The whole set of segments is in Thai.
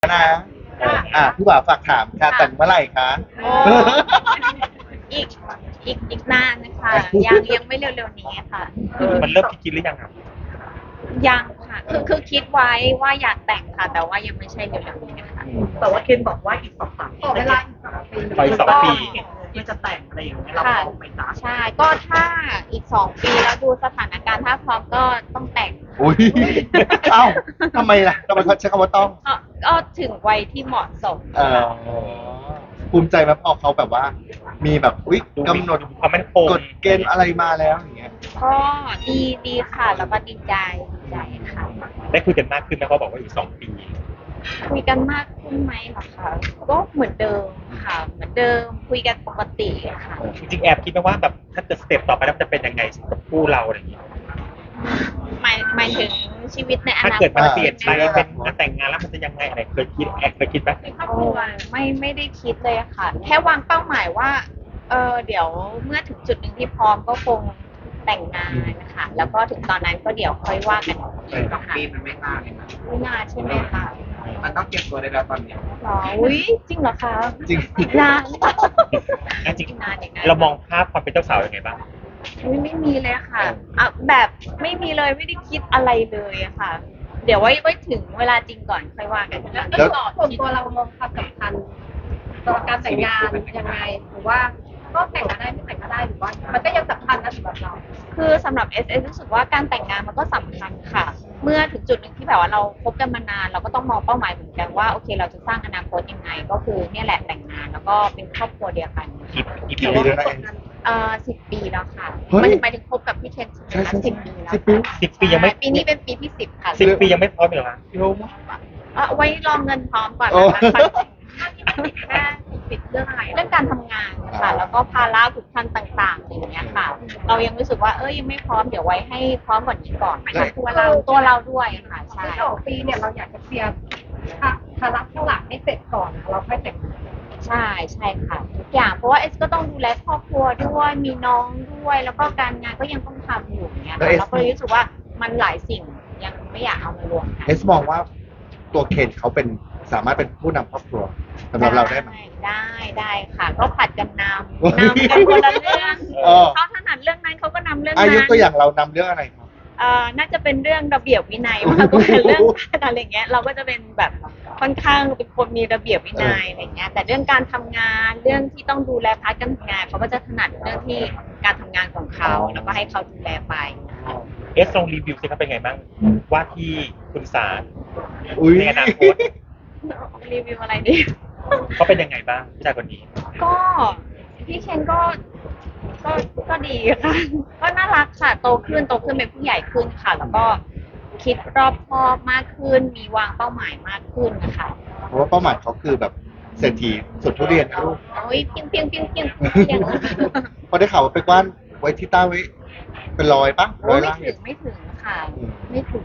นะพี่บ่าวฝากถามค่ะแต่งเมื่อไหร่คะโอ้อีกอีกนานนะคะยังไม่เร็วๆนี้ค่ะมันเริ่มคิดหรือยังครับยังค่ะคือคิดไว้ว่าอยากแต่งค่ะ แต่ว่ายังไม่ใช่เร็วๆนี้ค่ะแต่ว่าเคนบอกว่าอีก2-3 ปีขอเวลาขออีก2 ปีที่จะแต่งอะไรอย่างเงี้ยเราค่ะพร้อมไหมจ๊ะใช่ก็ถ้าอีก2 ปีแล้วดูสถานการณ์ถ้าพร้อมก็ต้องแต่งอุ้ยเอ้าทำไมล่ะทำไมเขาใช้คำว่าต้องก็ถึงวัยที่เหมาะสมภูมิใจไหมพอเขาแบบว่า มีแบบอุ๊ยกำหนดความมั่นคงกฎเกณฑ์อะไรมาแล้วอย่างเงี้ยก็ดีค่ะแล้วก็ดีใจค่ะได้คุยกันมากขึ้นไหมเขาบอกว่าอีก2 ปีคุยกันมากขึ้นไหมเหรอคะก็เหมือนเดิมค่ะ เหมือนเดิมคุยกันปกติค่ะจริงๆแอบคิดไหมว่าแบบถ้าเกิดสเต็ปต่อไปแล้วมันจะเป็นยังไงกับคู่เราอะไรอย่างเงี้ยหมายถึงชีวิตในอถ้านาคเกิดตมันเปลี่ยนไปใช่ไหมเป็นงานแต่งงานแล้วมันจะยังไงอะไรเคยคิดแอบเคยคิดไหมโอ้ไม่ได้คิดเลยค่ะ แค่วางเป้าหมายว่าเดี๋ยวเมื่อถึงจุดหนึ่งที่พร้อมก็คงแต่งงานนะคะแล้วก็ถึงตอนนั้นก็เดี๋ยวค่อยว่ากันอีกทีนะคะปีมันไม่นานเลยนะไม่นานใช่ไหมคะมันต้องเตรียมตัวได้แล้วตอนเนี้ยหรออุ้ยจริงเหรอคะจริงอีกนานจริงอีกนานอย่างนั้นเรามองภาพความเป็นเจ้าสาวยังไงบ้างไม่มีเลยค่ะแบบไม่มีเลยไม่ได้คิดอะไรเลยอะค่ะ เดี๋ยวไว้ถึงเวลาจริงก่อนค่อยว่ากันแล้วส่วนตัวเรามองความสำคัญต่อการแต่งงานยังไงหรือว่าก็แต่งก็ได้ไม่แต่งก็ได้หรือว่า มันก็ยังสำคัญนะสำหรับเราคือสำหรับ SS รู้สึกว่าการแต่งงานมันก็สำคัญค่ะ เมื่อถึงจุดหนึ่งที่แบบว่าเราคบกันมานานเราก็ต้องมองเป้าหมายเหมือนกันว่าโอเคเราจะสร้างอนาคตยังไง ก็คือเนี่ยแหละแต่งงานแล้วก็เป็นครอบครัวเดียวกันกี่กี่ปีปีแล้วนะเอง 10 ปีแล้วค่ะเฮ้ยหมายถึงคบกับพี่เคนใช่ไหมใช่คะใช่ 10 ปีแล้ว 10 ปี 10 ปียังไม่ใช่ปีนี้เป็นปีที่10ค่ะ 10 ปียังไม่พร้อมอีกเหรอคะเร็วมากไว้รองเงินพร้อมก่อนโอ้นะคะแค่ติดเรื่องอะไรเรื่องการทำงานค่ะ แล้วก็ภาระผูกพันต่างๆอย่างเงี้ยค่ะ เรายังรู้สึกว่ายังไม่พร้อมเดี๋ยวไว้ให้พร้อมกว่านี้ก่อนแล้วตัวเราด้วยค่ะใช่ใน2 ปีเนี่ยเราอยากจะเคลียร์ภาระข้างหลังให้เสร็จก่อนเราค่อยแต่งงานใช่ค่ะทุกอย่างเพราะว่าเอสก็ต้องดูแลครอบครัวด้วยมีน้องด้วย แล้วก็การงานก็ยังต้องทำอยู่อย่างเงี้ยแล้วค่ะเอสเราก็เลยรู้สึกว่ามันหลายสิ่งยังไม่อยากเอามารวมกันเอสมองว่าตัวเคนเขาเป็นสามารถเป็นผู้นำครอบครัวสำหรับเราได้ไหมได้ค่ะ ก็ผัดกันนำกันคนละเรื่องเออเขาถนัดเรื่องนั้นเขาก็นำเรื่องอานั้ยุนตัวอย่างเรานำเรื่องอะไรครับน่าจะเป็นเรื่องระเบียบวินัยมากกว่าเรื่องอะไรเงี้ยเราก็จะเป็นแบบค่อนข้างเป็นคนมีระเบียบวินัยอะไรเงี้ยแต่เรื่องการทำงานเรื่องที่ต้องดูแลพาร์ทการทำงานเขาก็จะถนัดเรื่องที่การทำงานของเขาแล้วก็ให้เขาดูแลไปเอสลองรีวิวสิครับเป็นไงบ้างว่าที่คุณสารอุ้ยในอนาคตรีวิวอะไรดีเขาเป็นยังไงบ้างผู้ชายคนนี้ก็พี่เคนก็ดีค่ะ ก็น่ารักค่ะโตขึ้นเป็นผู้ใหญ่ขึ้นค่ะ แล้วก็คิดรอบคอบมากขึ้น มีวางเป้าหมายมากขึ้นนะคะเพราะว่าเป้าหมายเขาคือแบบเศรษฐีสุดทุเรียนนะลูกโอ้ยเพียงพอได้ข่าวว่าไปกว้านไว้ที่ใต้ไว้เป็นร้อยปะโอ้ร้อยไม่ล่างถึงค่ะอืมไม่ถึง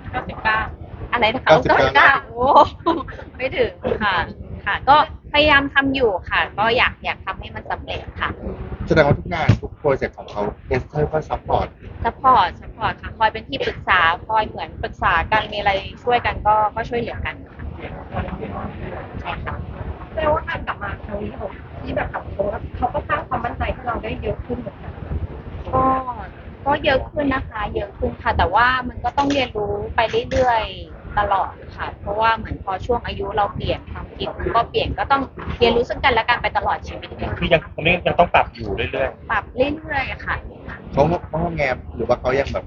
99อะไรนะคะ 99 โอ้ไม่ถึงค่ะ ก็พยายามทำอยู่ค่ะ ก็อยากทำให้มันสำเร็จค่ะแสดงว่าทุกงานทุกโปรเจกต์ของเขาเอสเตอร์ก็ซัพพอร์ตซัพพอร์ตค่ะ คอยเป็นที่ปรึกษา คอยเหมือนปรึกษากัน มีอะไรช่วยกันก็ช่วยเหลือกันค่ะใช่ค่ะแปลว่าการกลับมาครั้งนี้ของที่แบบกลับตัวเขาก็สร้างความมั่นใจให้เราได้เยอะขึ้นเหมือนกันก็เยอะขึ้นนะคะ เยอะขึ้นค่ะ แต่ว่ามันก็ต้องเรียนรู้ไปเรื่อยๆตลอดค่ะ เพราะว่าเหมือนพอช่วงอายุเราเปลี่ยนความคิดก็เปลี่ยนก็ต้องเรียนรู้ซึ่งกันและกันไปตลอดชีวิตเลยคือยังตรงนี้ยังต้องปรับอยู่เรื่อยปรับเรื่อยๆค่ะเขาแงมหรือว่าเขายังแบบ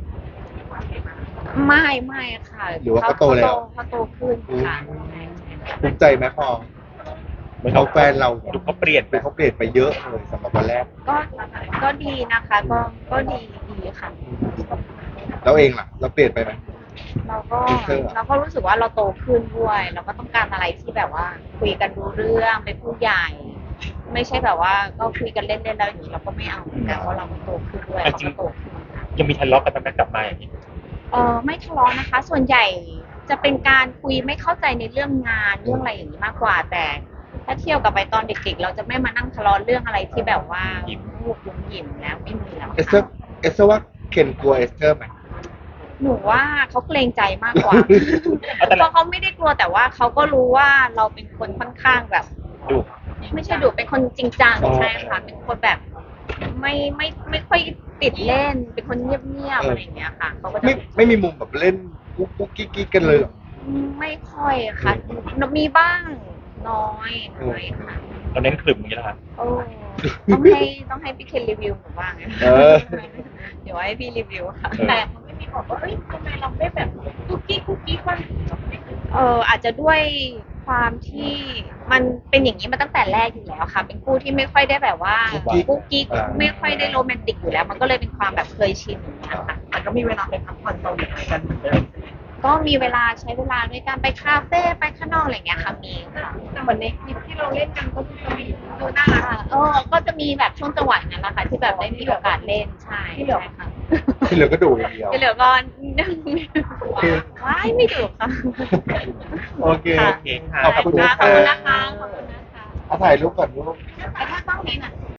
ไม่ค่ะหรือว่าเขาโตแล้วเขาโตขึ้นค่ะภูมิใจไหมพอๆเหมือนเขาแฟนเราดูเขาเปลี่ยนไปเขาเปลี่ยนไปเยอะเลยสำหรับวันแรกก็ดีนะคะ ก็ดีค่ะเราเองล่ะ เราเปลี่ยนไปไหมเราก็รู้สึกว่าเราโตขึ้นด้วย เราก็ต้องการอะไรที่แบบว่า คุยกันรู้เรื่องเป็นผู้ใหญ่ ไม่ใช่แบบว่าก็คุยกันเล่นๆแล้วอย่างนี้เราก็ไม่เอาเหมือนกันเพราะเราก็โตขึ้นด้วยเราก็โตขึ้นค่ะยังมีทะเลาะกันบ้างไหมกลับมาอย่างนี้ไม่ทะเลาะนะคะ ส่วนใหญ่จะเป็นการคุยไม่เข้าใจในเรื่องงานเรื่องอะไรอย่างนี้มากกว่า แต่ถ้าเที่ยวกับไปตอนเด็กๆ เราจะไม่มานั่งทะเลาะเรื่องอะไรที่แบบว่าลูกยุ่งหยิมแล้วไม่มีแล้วเอสเตอร์ว่าเคนกลัวเอสเตอร์ไหมหนูว่าเขาเกรงใจมากกว่าเอาแต่เพละราะเขาไม่ได้กลัวแต่ว่าเขาก็รู้ว่าเราเป็นคนค่อนข้างแบบดูไม่ใช่ดุเป็นคนจริงจังอ๋อใช่ค่ะ เป็นคนแบบไม่ค่อยติดเล่น เป็นคนเงียบๆอะไรอย่างเงี้ยค่ะเขาก็จะไม่มีมุมแบบเล่นกุ๊กกุ๊กกิ๊กกิ๊กกันเลยเหรอไม่ค่อยค่ะ มีบ้างน้อยค่ะเราเน้นขลุ่มอย่างนี้แหละครับโอ้ต้องให้พี่เคนรีวิวหนูบ้างนะเออเดี๋ยวให้พี่รีวิวค่ะแต่มันไม่มีบอกว่าเอ้ยทำไมเราไม่แบบคุกกี้บ้างอาจจะด้วยความที่มันเป็นอย่างนี้มาตั้งแต่แรกอยู่แล้วค่ะ เป็นคู่ที่ไม่ค่อยได้แบบว่ากุ๊กกิ๊กกุ๊กกิ๊กไม่ค่อยได้โรแมนติกอยู่แล้ว มันก็เลยเป็นความแบบเคยชินอย่างเงี้ยค่ะแต่ก็มีเวลาไปพักผ่อนตอนไหนกันเหมือนเดิมก็มีเวลาใช้เวลาด้วยการไปคาเฟ่ไปข้างนอกอะไรอย่างเงี้ยค่ะมีค่ะแต่เหมือนในคลิปที่เราเล่นกันก็คือจะมีดูน่ารักก็จะมีแบบช่วงจังหวะนั้นแหละค่ะที่แบบได้มีโอกาสเล่นใช่ที่เหลือใช่ค่ะที่เหลือก็ดูอย่างเดียวที่เหลือก็นั่งว้ายไม่ดุค่ะโอเคค่ะโอเคค่ะขอบคุณขนะอบคะคุณนะคะขอบคุณนะคะเอาถ่ายรูปก่อนลูกแต่ถ้าต้องนี้น่ะ